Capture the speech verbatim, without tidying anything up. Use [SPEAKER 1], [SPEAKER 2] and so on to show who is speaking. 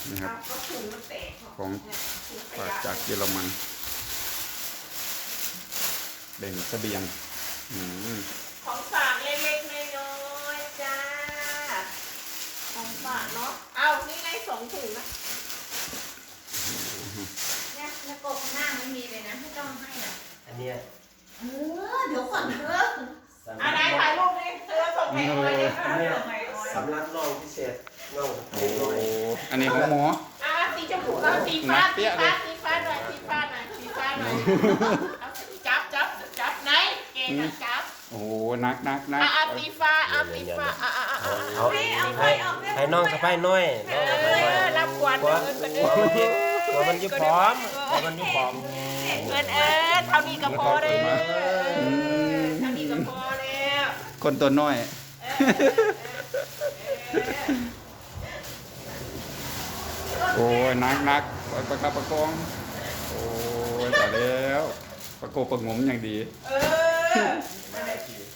[SPEAKER 1] นะครับ
[SPEAKER 2] ก็ถุงมันแตก
[SPEAKER 1] ของฝากจากเยอรมันแบ่งเสบียงอืม
[SPEAKER 2] ของฝากเล็กๆน้อยๆจ้าของฝากเนาะเอานี่ไงสองถุงนะเนี่ยแล้วกบข้างหน้าไม่มีเลยนะไม่ต้องให้อ่ะ
[SPEAKER 3] อันเนี้ย
[SPEAKER 2] เออเดี๋ยวก่อนเถอะอะไรถ่ายรูปดิเธอส่งให้ออยดิ
[SPEAKER 3] อันเนี้ย
[SPEAKER 2] ส่งให้ออย
[SPEAKER 3] สำรับน้องพิเศษน้อง
[SPEAKER 1] โอ้
[SPEAKER 3] เล็กน้อย
[SPEAKER 1] อันนี้ของหมอ
[SPEAKER 2] อ่ะสีชมพูเอาสีฟ้า
[SPEAKER 1] นักเปี้
[SPEAKER 2] สี
[SPEAKER 1] ยเล
[SPEAKER 2] ฟ้าย สีฟ้าหน่อยสีฟ้าหน่อยสีฟ้าหน่อยเอาจับจับจับไหนเก่งอะจับ
[SPEAKER 1] โอ้นักนักนัก
[SPEAKER 2] อ่ะอ่ะสีฟ้าเอาสีฟ้าอ่ะอ่ะอ่ะ
[SPEAKER 3] เอา
[SPEAKER 2] อ่ะ
[SPEAKER 3] เอา
[SPEAKER 2] ให้เอาไป
[SPEAKER 3] ให้
[SPEAKER 2] เอาไป
[SPEAKER 3] ให้น้องสะพ้ายน้อย
[SPEAKER 2] เอ
[SPEAKER 3] น้องสะพ้ายน้อย
[SPEAKER 2] อรับกวน
[SPEAKER 3] กลัว
[SPEAKER 2] เงินกัน
[SPEAKER 3] ก
[SPEAKER 2] เด้
[SPEAKER 3] ลัว
[SPEAKER 2] อ
[SPEAKER 3] มันยิ่กลัวมันยิ่พร้อมกลัวมันยิ่พร้อม
[SPEAKER 2] เงินเออเท่านี้ก็พอเลยเท่านี้ก็พอแล้ว
[SPEAKER 1] คนตัวน้อย โอ้ยนักนักประคับประคอง โอ้ยแต่แล้ว ประโกบประงมอย่างดี
[SPEAKER 2] เออ